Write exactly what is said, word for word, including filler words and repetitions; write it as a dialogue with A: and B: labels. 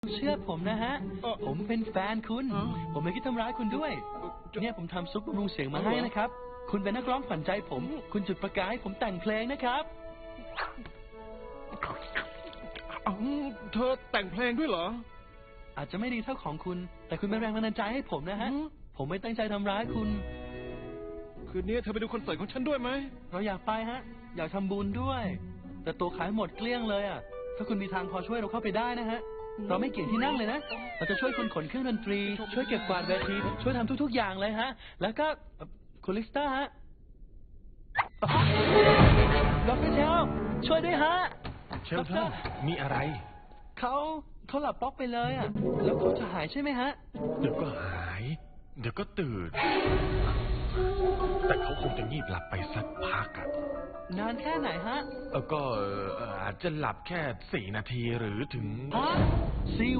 A: เชื่อผมนะฮะ
B: เอ่อ
A: ผมเป็นแฟนคุณ
B: อ๋อ
A: ผมไม่คิดทำร้ายคุณด้วย เนี่ยผมทำซุปบำรุงเสียงมาให้นะครับ คุณเป็นนักร้องขวัญใจผม คุณจุดประกายให้ผมแต่งเพลงนะครับ
B: เอ้าเธอแต่งเพลงด้วยเหรอ
A: อาจจะไม่ดีเท่าของคุณ แต่คุณเป็นแรงบันดาลใจให้ผมนะฮะ
B: อืม
A: ผมไม่ตั้งใจทำร้ายคุณ
B: คืนนี้เธอไปดูคอนเสิร์ตของฉันด้วยไหม
A: เราอยากไปฮะ อยากทำบุญด้วย แต่ตัวขายหมดเกลี้ยงเลยอ่ะ ถ้าคุณมีทางพอช่วยเราเข้าไปได้นะฮะ เราไม่เกี่ยงที่นั่งเลยนะ เราจะช่วยคุณขนเครื่องดนตรี ช่วยเก็บกวาดเวที ช่วยทำทุกๆอย่างเลยฮะ แล้วก็เอ่อคุณลิสต้าฮะดอกเตอรเชลช่วยด้วยฮะ
C: เชลทอนมีอะไร
A: เขาเขาหลับป๊อกไปเลยอ่ะ แล้วเขาจะหายใช่ไหมฮะ
C: เดี๋ยวก็หาย เดี๋ยวก็ตื่น แต่เขาคงจะงีบหลับไปสักพักอะ
A: นานแค่ไหนฮะ
C: เออก็เอ่ออาจจะหลับแค่สี่นาทีหรือถึง
A: ฮะสี่